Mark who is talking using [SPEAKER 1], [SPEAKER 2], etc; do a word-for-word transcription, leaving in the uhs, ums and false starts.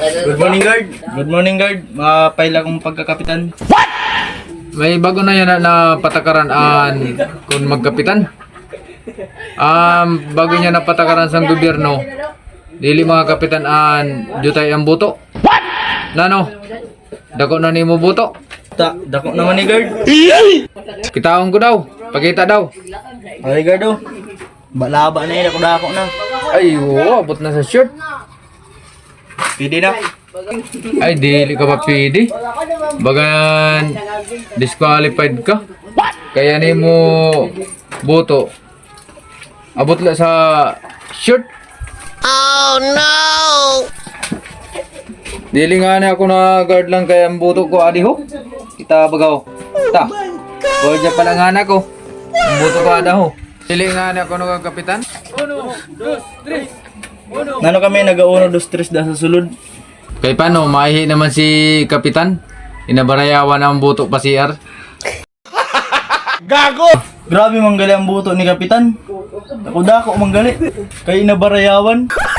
[SPEAKER 1] Good morning, guard. Good morning, guard. Mapaila kong pagkakapitan.
[SPEAKER 2] May bago na yan na, na patakaran an kung magkapitan. Um, bago niya na patakaran sa gobyerno, dili mga kapitan an jutay ang buto. Nano? Dako na nimo buto.
[SPEAKER 1] Ta, dako naman ni guard.
[SPEAKER 2] Kitaon ko daw. Pakita daw.
[SPEAKER 1] Okay, guard oh. Balaba na yun, ako dako na.
[SPEAKER 2] Ay, oo, abot na sa shirt.
[SPEAKER 1] Pwede na.
[SPEAKER 2] Ay, dili ka pa pwede. Bagan disqualified ka. Kaya ni mo boto. Abot la sa shirt.
[SPEAKER 3] Oh no!
[SPEAKER 2] Dili nga na ako na guard lang kaya ang boto ko adi ho. Kita bagaw. Ta. Guard pa lang nga na ko. Ang boto ko ada ho. Dili nga na ako na kapitan.
[SPEAKER 1] Nano kami nag-uno dos tres da sa sulod.
[SPEAKER 2] Kay paano maihi naman si kapitan? Inabarayawan ang boto pa si R.
[SPEAKER 1] Gago! Grabe manggali ang buto ni kapitan. Ako dako manggali. Kay nabarayawan.